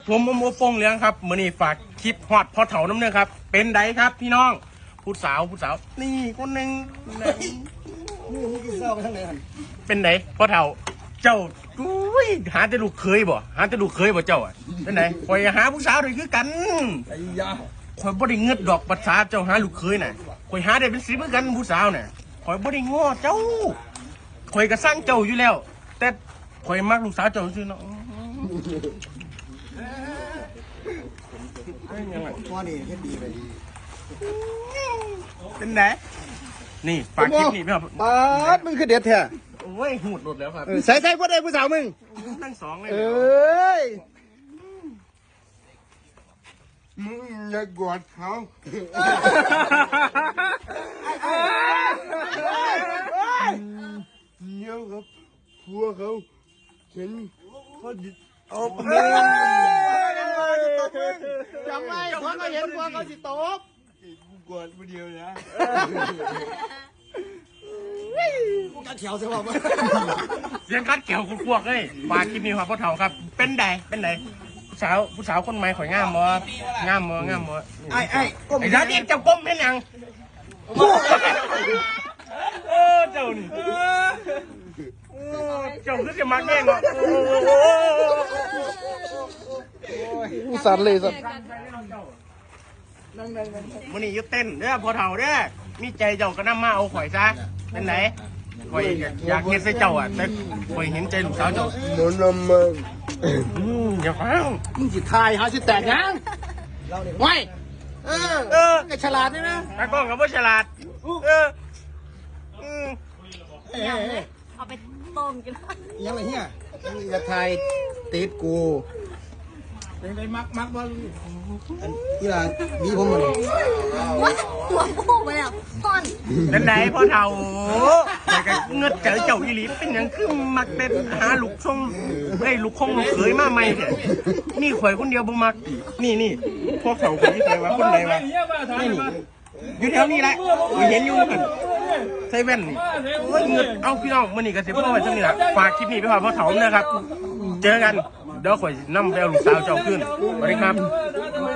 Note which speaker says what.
Speaker 1: ผมโมฟงเลี้ยงครับมื้อนี้ฝากคลิปฮอดพอเถาน้ำเนื้อครับเป็นไดครับพี่น้องผู้สาวนี่คนหนึ่งเป็นไดพอเถาเจ้าอุ้ยหาแต่ลูกเคยบ่เจ้าอ่ะเป็นไดคอยหาผู้สาวด้วยคือกันไอ้ยาคอยบ่ได้เงือดดอกภาษาเจ้าหาลูกเคยน่ะคอยหาได้เป็น10เหมือนกันผู้สาวน่ะคอยบ่ได้ง้อเจ้าคอยก็สร้างเจ้าอยู่แล้วแต่คอยมักลูกสาวเจ้าซื่อเนาะ
Speaker 2: พ่อนี่เฮ็ดดีไปดี
Speaker 1: เป็นไงนี่ฝากคลิปนี่พี่ครับ
Speaker 2: ปาดมึงคือเด็ดแท้
Speaker 1: โอ้ยหูดหลุดแล้วครับ
Speaker 2: ใส่พ่อได้ผู้สาวมึง
Speaker 1: ทั้งสองเลย
Speaker 2: เอ้ยมึงอย่ากอดเขาเดี๋ยวครับพัวเขาฉันเขาเอาไปจำไว้พอเขาเห็นพวกเขาสิตบกูกอดผู้เดียวนะกูกัดเขียวใช่ป่ะ
Speaker 1: เสียงคัดเกี่ยวคุณพวกเลยฝากคลิปนี้ครับพ่อเฒ่าครับเป็นไดผู้สาวคนใหม่ข่อยงามบ่ไอ้ร้านนี้จะก้มเป็นยังเจ้านี่เจ้าคือจะมาแย่งเหรอ
Speaker 2: สั่นเลยสั่น
Speaker 1: มันนี่ยึดเต้นเด้อพอเฒ่าเด้อมีใจเจ้าก็นำมาเอาข่อยซะเป็นไหนข่อยอยากเห็นใส่เจ้าอ่ะแต่ข่อยเห็นใจลูกสาวเจ้า
Speaker 2: มันนำมา
Speaker 1: อย่าฟัง
Speaker 2: มึงจิทายหาสิแตกยังไม่ก็ฉลาดนี่นะ
Speaker 1: ตากล้องกับว่าฉลาด
Speaker 3: เอาไปต้มกัน
Speaker 2: ยังไงเฮียจะทายติดกูเป็นไงมักบอลนี่ล่ะดีผมมาเลย
Speaker 3: หัวปูไปแล้วต้น
Speaker 1: เป็นไหนพ่อเฒ่าแต่ก็เงือกเจอเจ้าอีหลีเป็นอย่างคือมักเป็นหาลูกช่องลูกคงลูกเขยมาใหม่เถอะนี่ข่อยคนเดียวบ่มักนี่พวกเฒ่าคนที่เคยว่าคนไหนวะนี่อยู่แถวนี้แหละเห็นอยู่กันใส่แว่นนี่เงือกเอาพี่น้องมื้อนี้ก็สิพ่อไว้จังนี้ล่ะฝากคลิปนี้ไปพ่อเฒ่านะครับเจอกันเดี๋ยวข่อยนำไปเอาลูกสาวเจ้าขึ้นสวัสดีครับ